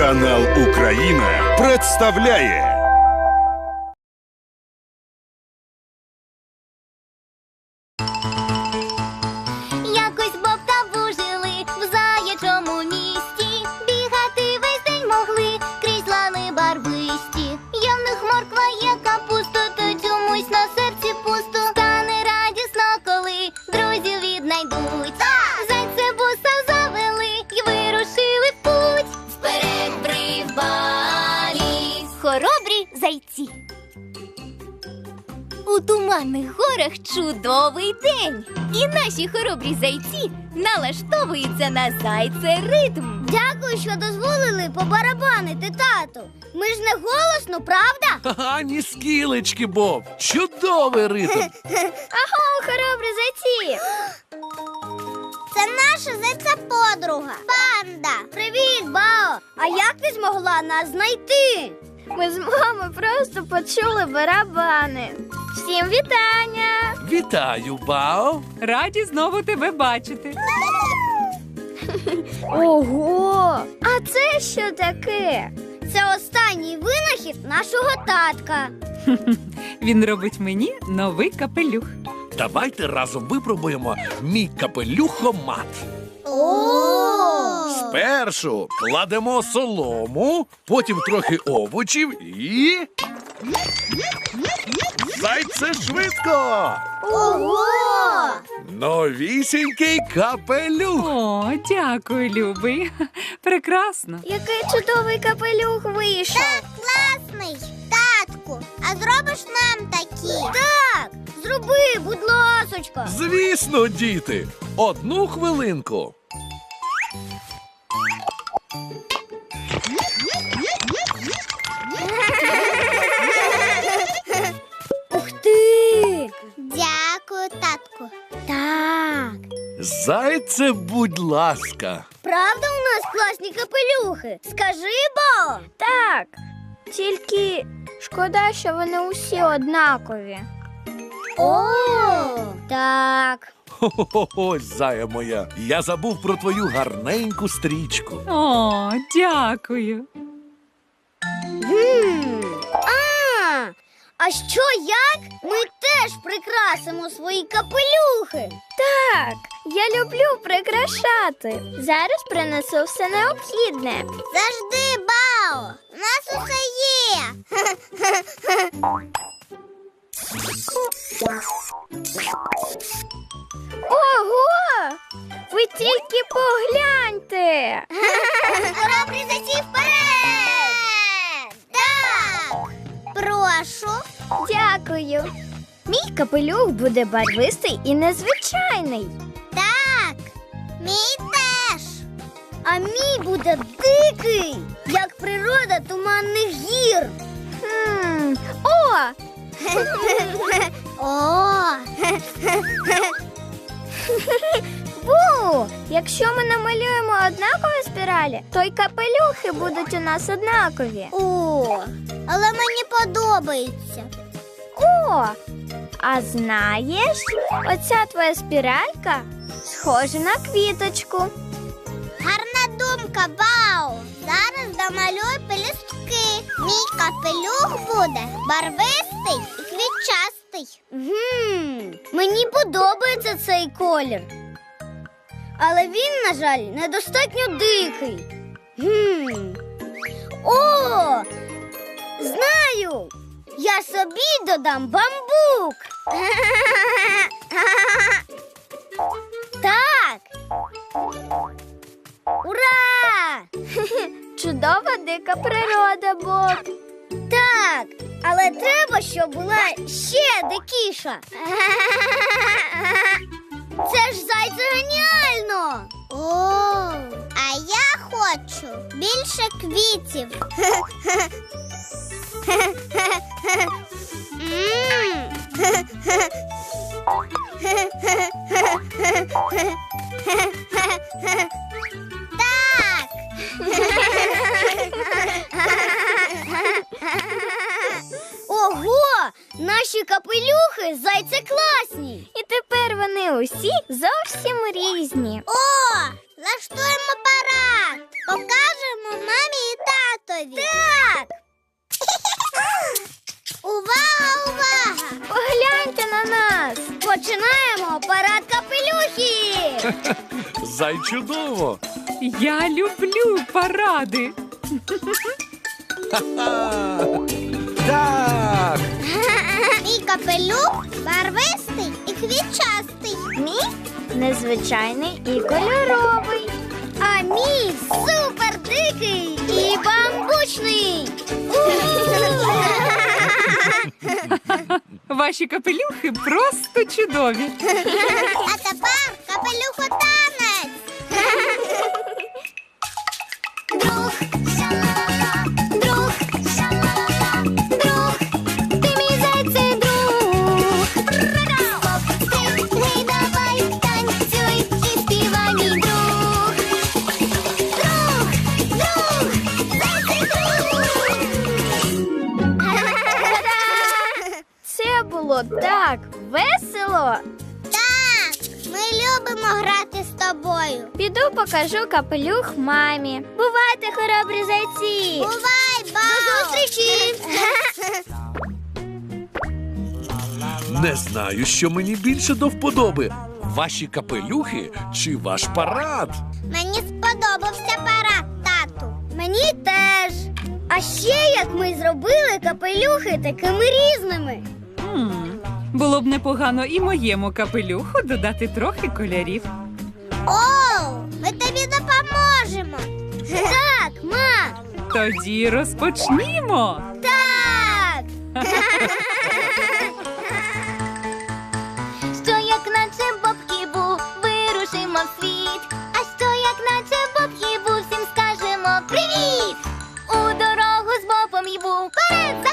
Канал Україна представляє Якось Боб та Бу жили в заячому місті. Бігати весь день могли крізь лани барвисті. Є в них морква, є капуста, та чомусь на серці пусто. Стане радісно, коли друзів віднайдуть. Зайця буса завели й вирушили в путь. Вперед прибалі хоробрі зайці. У туманних горах чудовий день. І наші хоробрі зайці налаштовуються на зайце-ритм. Дякую, що дозволили побарабанити, тату. Ми ж не голосно, правда? Ані скілечки, Боб. Чудовий ритм. Аго, хоробрі зайці! Це наша зайця-подруга Панда. Привіт, Бао! А як ти змогла нас знайти? Ми з мамою просто почули барабани. Всім вітання! Вітаю, Бао. Раді знову тебе бачити. Ого! А це що таке? Це останній винахід нашого татка. Він робить мені новий капелюх. Давайте разом випробуємо мій капелюхомат. О! Спершу кладемо солому, потім трохи овочів і... Зайце швидко! Ого! Новісінький капелюх! О, дякую, любий. Прекрасно. Який чудовий капелюх вийшов. Так, класний. Татку, а зробиш нам такі? Так, зроби, будь ласочка. Звісно, діти! Одну хвилинку. Ух ти! Дякую, татку. Так. Зайце, будь ласка. Правда у нас класні капелюхи? Скажи, Бо. Так. Тільки шкода, що вони усі однакові. О, так. Хо-хо-хо, зая моя. Я забув про твою гарненьку стрічку. О, дякую. А що як? Ми теж прикрасимо свої капелюхи. Так, я люблю прикрашати. Зараз принесу все необхідне. Завжди, Бао, у нас усе є. Ого! Ви тільки погляньте! Хоробрі зайці вперед! Так! Прошу. Дякую. Мій капелюх буде барвистий і незвичайний. Так, мій теж. А мій буде дикий, як природа туманних гір. О! О! Бу! Якщо ми намалюємо однакові спіралі, то й капелюхи будуть у нас однакові. О, але мені подобається. О! А знаєш, оця твоя спіралька схожа на квіточку. Гарна думка, Бау. Зараз домалюй пелюстки. Мій капелюх буде барвистий і квітчастий. Мені подобається цей колір. Але він, на жаль, недостатньо дикий. О! Знаю! Я собі додам бамбук. Так. Ура! Чудова дика природа, Боб. Так, але треба, щоб була ще дикіша. Це ж зайце геніально! О, а я хочу більше квітів. Так! Ого! Наші капелюхи зайце класні! І тепер вони усі зовсім різні. О! Влаштуємо парад! Покажемо мамі і тату! починаємо парад капелюхи! Зай чудово! Я люблю паради. Так! Мій капелюх барвистий і квітчастий. Мій незвичайний і кольоровий. А мій супер дикий і бамбучний. Ваші капелюхи просто чудові. А тепер капелюхотанець. Друг, ша-ла-ла, друг, ша-ла-ла, друг, ти мій зайцей друг. Хоп, стрибни, давай, танцюй і співай, мій друг. Друг, друг, зайцей друг. Це було так весело. Так, ми любимо грати з тобою. Піду покажу капелюх мамі. Бувайте, хоробрі зайці. Бувай, Бао. До зустрічі. Не знаю, що мені більше до вподоби. Ваші капелюхи чи ваш парад? Мені сподобався парад, тату. Мені теж. А ще як ми зробили капелюхи такими різними. Було б непогано і моєму капелюху додати трохи кольорів. О, ми тобі допоможемо. Так, ма. Тоді розпочнімо. Так. Що як наче Боб-Хібу, вирушимо в світ. А що як наче Боб-Хібу, всім скажемо привіт. У дорогу з Бобом Хібу, вперед!